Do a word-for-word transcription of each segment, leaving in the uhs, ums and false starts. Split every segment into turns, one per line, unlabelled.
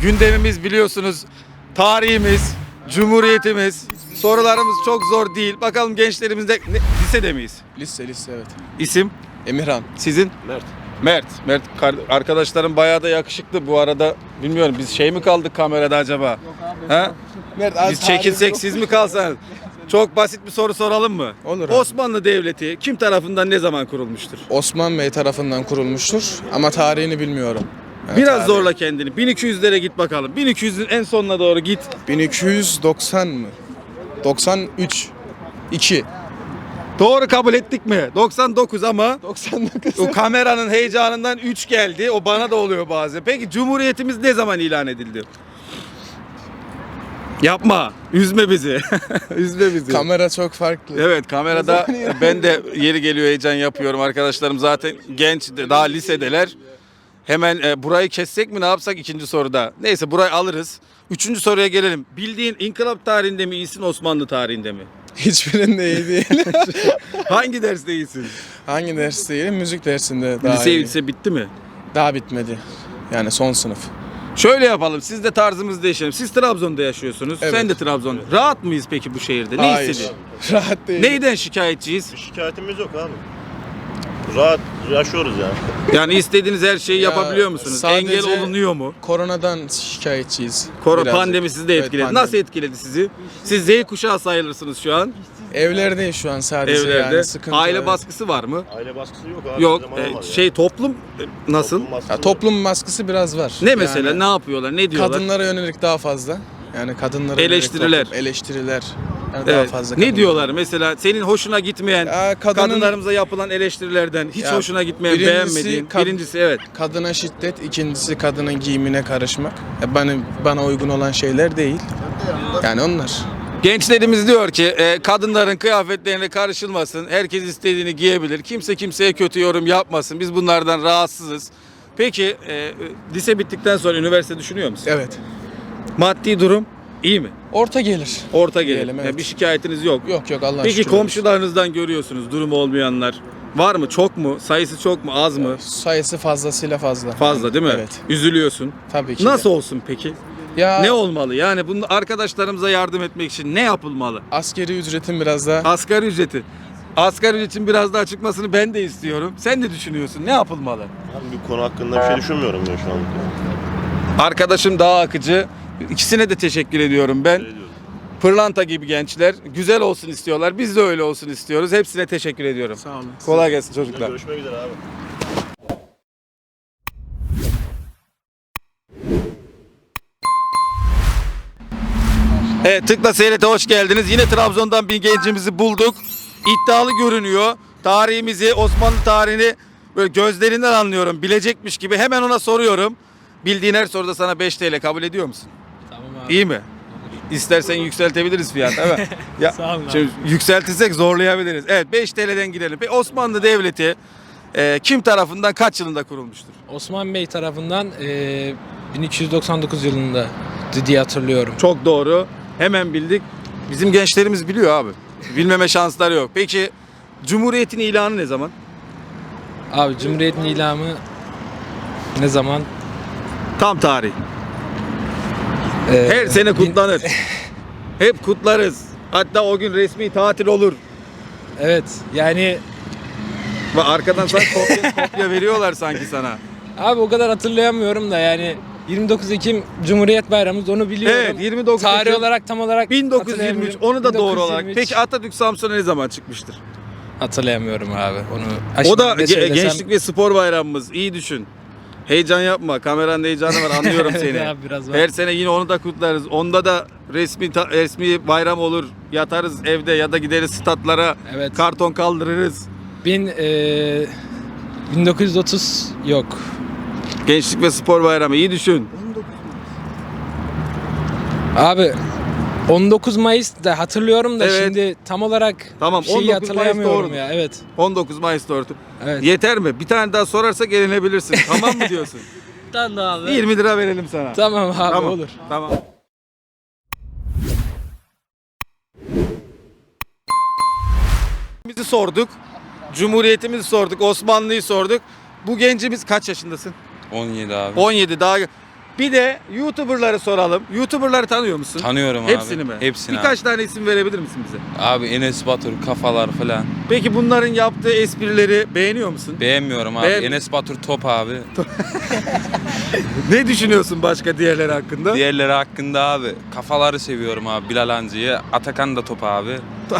gündemimiz biliyorsunuz tarihimiz, cumhuriyetimiz. Sorularımız çok zor değil. Bakalım gençlerimizde ne, lisede miyiz?
Lise lise evet.
İsim?
Emirhan.
Sizin?
Mert.
Mert. Mert kar- arkadaşlarım bayağı da yakışıklı bu arada. Bilmiyorum biz şey mi kaldık kamerada acaba? Yok abi. Ha?
Mert,
Biz çekilsek siz mi kalsanız? Çok basit bir soru soralım mı?
Olur abi.
Osmanlı Devleti kim tarafından ne zaman kurulmuştur?
Osman Bey tarafından kurulmuştur ama tarihini bilmiyorum. Yani
Biraz
tarihi-
zorla kendini. bin iki yüzlere git bakalım. bin iki yüzün en sonuna doğru git.
bin iki yüz doksan mı? doksan üç. iki.
Doğru kabul ettik mi? doksan dokuz ama
doksan dokuz.
o kameranın heyecanından üç geldi. O bana da oluyor bazen. Peki Cumhuriyetimiz ne zaman ilan edildi? Yapma. Üzme bizi. Üzme bizi.
Kamera çok farklı.
Evet kamerada ben de yeri geliyor heyecan yapıyorum. Arkadaşlarım zaten genç, daha lisedeler. Hemen e, burayı kessek mi ne yapsak ikinci soruda? Neyse burayı alırız. Üçüncü soruya gelelim. Bildiğin inkılap tarihinde mi iyisin, Osmanlı tarihinde mi?
Hiçbirinde iyi değil.
Hangi derste iyisin?
Hangi ders değil? Müzik dersinde daha
Lise,
iyi.
lise bitti mi?
Daha bitmedi. Yani son sınıf.
Şöyle yapalım. Siz de tarzımızı değişelim. Siz Trabzon'da yaşıyorsunuz.
Evet.
Sen de Trabzon. Rahat mıyız peki bu şehirde? Ne
Hayır.
hissediyorsun?
Rahat değil.
Neyden şikayetçiyiz?
Bir şikayetimiz yok abi. Rahat yaşıyoruz yani.
Yani istediğiniz her şeyi
Ya,
yapabiliyor musunuz?
sadece-
Engel olunuyor mu?
Koronadan şikayetçiyiz.
Korona
Birazcık.
pandemi sizi de
Evet,
etkiledi.
pandemi.
Nasıl etkiledi sizi? Siz Z kuşağı sayılırsınız şu an.
Evlerdeyiz şu an sadece
Evlerde.
yani sıkıntı.
Aile
evet.
baskısı var mı?
Aile baskısı yok abi.
Yok.
Her zaman
E,
var
şey toplum e, nasıl?
Toplum baskısı
Ya,
var.
toplum baskısı biraz var.
Ne mesela?
Yani
Ne yapıyorlar? Ne diyorlar?
kadınlara yönelik daha fazla. Yani kadınlara yönelik
Eleştiriler.
toplum- eleştiriler. Yani daha
Evet.
fazla.
Ne
kadın-
diyorlar mesela? Senin hoşuna gitmeyen,
Ya, kadının-
kadınlarımıza yapılan eleştirilerden hiç
Ya,
hoşuna gitmeyen,
birincisi
beğenmediğin.
kad-
Birincisi evet.
Kadına şiddet, ikincisi kadının giyimine karışmak. Ya bana bana uygun olan şeyler değil. Yani onlar.
Gençlerimiz diyor ki e, kadınların kıyafetlerine karışılmasın. Herkes istediğini giyebilir. Kimse kimseye kötü yorum yapmasın. Biz bunlardan rahatsızız. Peki e, lise bittikten sonra üniversite düşünüyor musun?
Evet.
Maddi durum iyi mi?
Orta gelir.
Orta gelir.
Diyelim, evet.
Yani bir şikayetiniz yok.
Yok yok Allah
Peki
şükür.
komşularınızdan görüyorsunuz durumu olmayanlar. Var mı? Çok mu? Sayısı çok mu? Az mı?
Sayısı fazlasıyla fazla.
Fazla değil mi?
Evet.
Üzülüyorsun.
Tabii ki. de.
Nasıl olsun peki?
Ya
Ne olmalı? Yani bunu arkadaşlarımıza yardım etmek için ne yapılmalı?
askeri ücretin biraz daha
Asgari ücreti. Asgari ücretin biraz daha çıkmasını ben de istiyorum. Sen ne düşünüyorsun? Ne yapılmalı?
Ben bir konu hakkında bir şey düşünmüyorum ben şu an.
Arkadaşım daha akıcı. İkisine de teşekkür ediyorum ben.
Şey diyorum.
Pırlanta gibi gençler. Güzel olsun istiyorlar. Biz de öyle olsun istiyoruz. Hepsine teşekkür ediyorum.
sağ olun.
Kolay gelsin çocuklar.
Görüşmek üzere abi.
Evet Tıkla Seyret'e hoş geldiniz. Yine Trabzon'dan bir gencimizi bulduk. İddialı görünüyor. Tarihimizi, Osmanlı tarihini böyle gözlerinden anlıyorum. Bilecekmiş gibi. Hemen ona soruyorum. Bildiğin her soruda sana beş T L kabul ediyor musun?
Tamam abi.
İyi mi? İstersen yükseltebiliriz fiyat değil mi? Ya,
Sağ olun abi.
şimdi yükseltirsek zorlayabiliriz. Evet beş T L'den girelim. Peki Osmanlı Devleti e, kim tarafından kaç yılında kurulmuştur?
Osman Bey tarafından eee, bin iki yüz doksan dokuz yılında diye hatırlıyorum.
Çok doğru. Hemen bildik. Bizim gençlerimiz biliyor abi. Bilmeme şansları yok. Peki Cumhuriyet'in ilanı ne zaman?
Abi Cumhuriyet'in ilamı ne zaman?
Tam tarih.
Eee,
Her sene
bin-
kutlanır. Hep kutlarız. Hatta o gün resmi tatil olur.
Evet yani
Ve arkadan sana kopya, kopya veriyorlar sanki sana.
abi o kadar hatırlayamıyorum da yani yirmi dokuz Ekim Cumhuriyet Bayramımız onu biliyorum.
Evet, yirmi dokuz
Tarih
Ekim
olarak tam olarak
bin dokuz yüz yirmi üç
hatırlayamıyorum.
onu da doğru olarak.
bin dokuz yüz yirmi üç
Peki Atatürk Samsun'a ne zaman çıkmıştır?
hatırlayamıyorum abi onu. Ha,
O
şimdi
da
ne
ge-
söylesem-
gençlik ve spor bayramımız. İyi düşün. Heyecan yapma. Kameranın heyecanı var. Anlıyorum
Evet
seni.
abi, biraz var.
Her sene yine onu da kutlarız. Onda da resmi ta- resmi bayram olur. Yatarız evde ya da gideriz statlara.
Evet.
Karton kaldırırız.
Bin, eee, bin dokuz yüz otuz yok.
Gençlik ve spor bayramı. İyi düşün.
Abi on dokuz Mayıs da hatırlıyorum da
Evet.
şimdi tam olarak
Tamam,
şeyi
on dokuz Mayıs
hatırlayamıyorum
doğrudur.
ya. Evet.
on dokuz Mayıs tortu.
Evet.
Yeter mi? Bir tane daha sorarsak eğlenebilirsin. Tamam mı diyorsun?
Tamam abi.
yirmi lira verelim sana.
Tamam abi
Tamam.
olur.
Tamam. Bizi sorduk. Cumhuriyetimizi sorduk. Osmanlı'yı sorduk. Bu gencimiz kaç yaşındasın?
on yedi abi.
on yedi daha Bir de YouTuber'ları soralım. YouTuber'ları tanıyor musun?
Tanıyorum abi.
Hepsini mi?
Hepsini
Birkaç
abi.
tane isim verebilir misin bize?
Abi Enes Batur, kafalar falan.
Peki bunların yaptığı esprileri beğeniyor musun?
Beğenmiyorum abi.
Beğen-
Enes Batur top abi.
Ne düşünüyorsun başka diğerleri hakkında?
Diğerleri hakkında abi. Kafaları seviyorum abi. Bilal Hancı'yı. Atakan da top abi.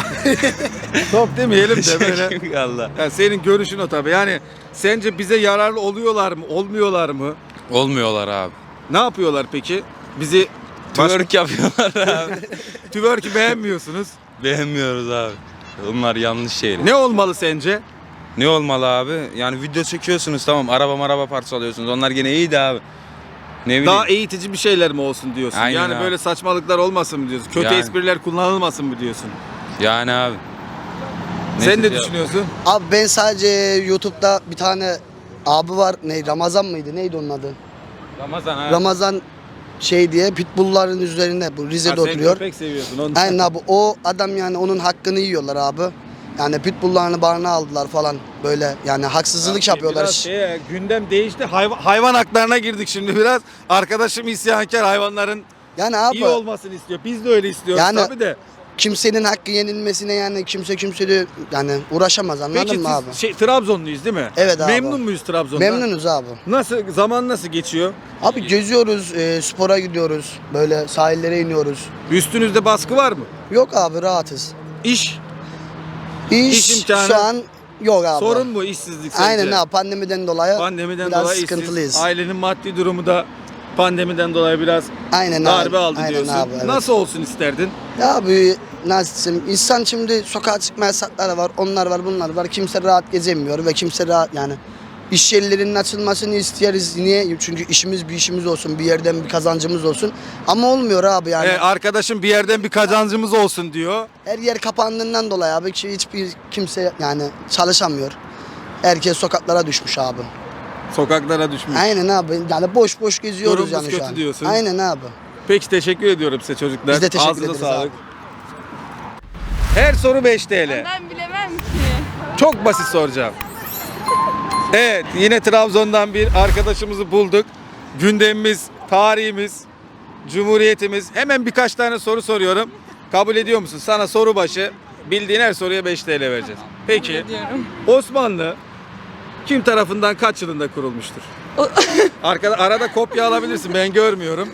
Top demeyelim de böyle.
Allah.
Yani senin görüşün o tabii. Yani sence bize yararlı oluyorlar mı, olmuyorlar mı?
Olmuyorlar abi.
Ne yapıyorlar peki? Bizi baş...
Twerk yapıyorlar abi.
twerk'i beğenmiyorsunuz.
Beğenmiyoruz abi. Onlar yanlış şeyler.
Ne olmalı sence?
Ne olmalı abi? Yani video çekiyorsunuz tamam. Araba maraba parçalıyorsunuz. Onlar gene iyiydi abi. Ne bileyim.
Daha eğitici bir şeyler mi olsun diyorsun?
Aynen
yani
abi.
böyle saçmalıklar olmasın mı diyorsun? Kötü
Yani.
espriler kullanılmasın mı diyorsun?
Yani abi.
Sen
Neyse
ne
ya.
düşünüyorsun?
Abi ben sadece YouTube'da bir tane abi var. Ne Ramazan mıydı? Neydi onun adı?
Ramazan abi.
Ramazan şey diye pitbullların üzerinde bu Rize'de
Ha, sen
oturuyor.
köpek seviyorsun. Onu...
Aynen abi o adam yani onun hakkını yiyorlar abi. Yani pitbulllarını barına aldılar falan böyle yani haksızlık yapıyorlar.
Biraz şey, gündem değişti. Hayvan, hayvan haklarına girdik şimdi biraz. Arkadaşım isyankar, hayvanların
Yani abi
iyi olmasını istiyor. Biz de öyle istiyoruz
Yani-
tabii de.
kimsenin hakkı yenilmesine yani kimse kimseyle yani uğraşamaz anladın
Peki
mı abi?
siz şey, Trabzonluyuz değil mi?
Evet abi.
Memnun muyuz Trabzon'dan?
Memnunuz abi.
Nasıl, zaman nasıl geçiyor?
Abi geziyoruz, e, spora gidiyoruz. Böyle sahillere iniyoruz.
Üstünüzde baskı var mı?
Yok abi rahatız.
İş,
İş,
İş imkanı-
şu an yok abi.
sorun mu işsizlik sence?
Aynen abi pandemiden dolayı
Pandemiden
biraz
dolayı
sıkıntılıyız.
işsiz. Ailenin maddi durumu da pandemiden dolayı biraz
Aynen
darbe
abi.
aldı
Aynen
diyorsun.
abi, evet.
Nasıl olsun isterdin?
Ya abi nasıl diyeyim, insan şimdi sokağa çıkma yasakları var, onlar var, bunlar var. Kimse rahat gezemiyor ve kimse rahat yani iş yerlerinin açılmasını isteriz. Niye? Çünkü işimiz bir işimiz olsun, bir yerden bir kazancımız olsun. Ama olmuyor abi yani.
Ee, arkadaşım bir yerden bir kazancımız olsun diyor.
Her yer kapandığından dolayı abi ki hiçbir kimse yani çalışamıyor. Herkes sokaklara düşmüş abi.
Sokaklara düşmüş.
Aynen abi. Yani boş boş geziyoruz
Durumumuz
yani şu
kötü
an.
diyorsun.
Aynen abi.
Peki teşekkür ediyorum size çocuklar.
Biz de teşekkür
Ağzına
ederiz
sağlık.
abi.
Her soru beş T L.
Ben bilemem ki.
Çok basit soracağım. Evet, yine Trabzon'dan bir arkadaşımızı bulduk. Gündemimiz, tarihimiz, cumhuriyetimiz. Hemen birkaç tane soru soruyorum. Kabul ediyor musun? Sana soru başı bildiğin her soruya beş T L vereceğiz. Peki,
Diyorum.
Osmanlı kim tarafından kaç yılında kurulmuştur? Arkada, arada kopya alabilirsin, ben görmüyorum.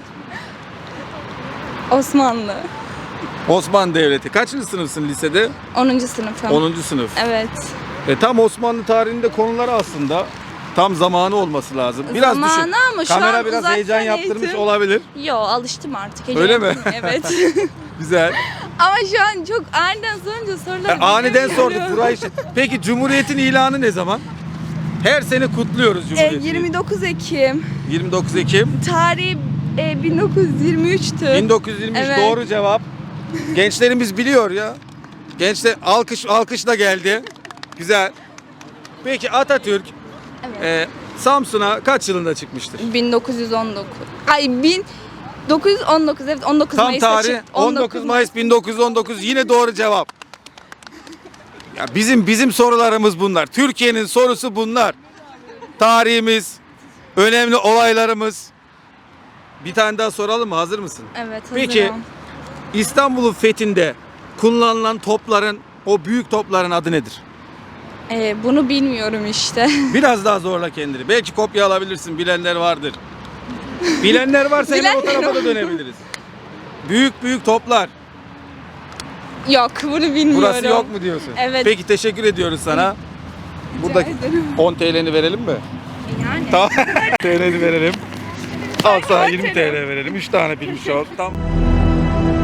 Osmanlı.
Osmanlı Devleti. Kaçıncı sınıfsın lisede?
onuncu sınıfım.
onuncu sınıf.
Evet.
E, tam Osmanlı tarihinde konuları aslında tam zamanı olması lazım. Biraz
Zamanı
düşün.
ama şu
Kamera
an
biraz
uzaktan
heyecan yaptırmış
eğitim.
olabilir.
Yo alıştım artık.
Öyle mi?
Evet.
Güzel.
Ama şu an çok aniden sorunca
E,
soruları
aniden
bilemiyorum.
sorduk burayı. Peki Cumhuriyet'in ilanı ne zaman? Her sene kutluyoruz
E,
Cumhuriyet'i.
yirmi dokuz Ekim.
yirmi dokuz Ekim.
Tarihi e, bin dokuz yüz yirmi üçtü.
bin dokuz yüz yirmi üç
Evet.
doğru cevap. Gençlerimiz biliyor ya. Gençler alkış alkışla geldi. Güzel. Peki Atatürk
Evet.
e, Samsun'a kaç yılında çıkmıştır?
bin dokuz yüz on dokuz. Ay bin dokuz yüz on dokuz evet on dokuz
Tam
Mayıs'ta
tarih
çık-
on dokuz Mayıs bin dokuz yüz on dokuz yine doğru cevap. Ya bizim bizim sorularımız bunlar. Türkiye'nin sorusu bunlar. Tarihimiz, önemli olaylarımız. Bir tane daha soralım mı? Hazır mısın?
Evet hazırım.
Peki İstanbul'un fethinde kullanılan topların, o büyük topların adı nedir?
E, bunu bilmiyorum işte.
Biraz daha zorla kendini. Belki kopya alabilirsin. Bilenler vardır. Bilenler varsa hemen o tarafa da dönebiliriz. Büyük büyük toplar.
Yok bunu bilmiyorum.
Burası yok mu diyorsun?
Evet.
Peki teşekkür ediyoruz sana. Burada
ederim.
on T L'ni verelim mi?
Yani.
Tamam. T L'ni verelim. Al sana yirmi T L verelim. üç tane bilmiş ol. Tamam.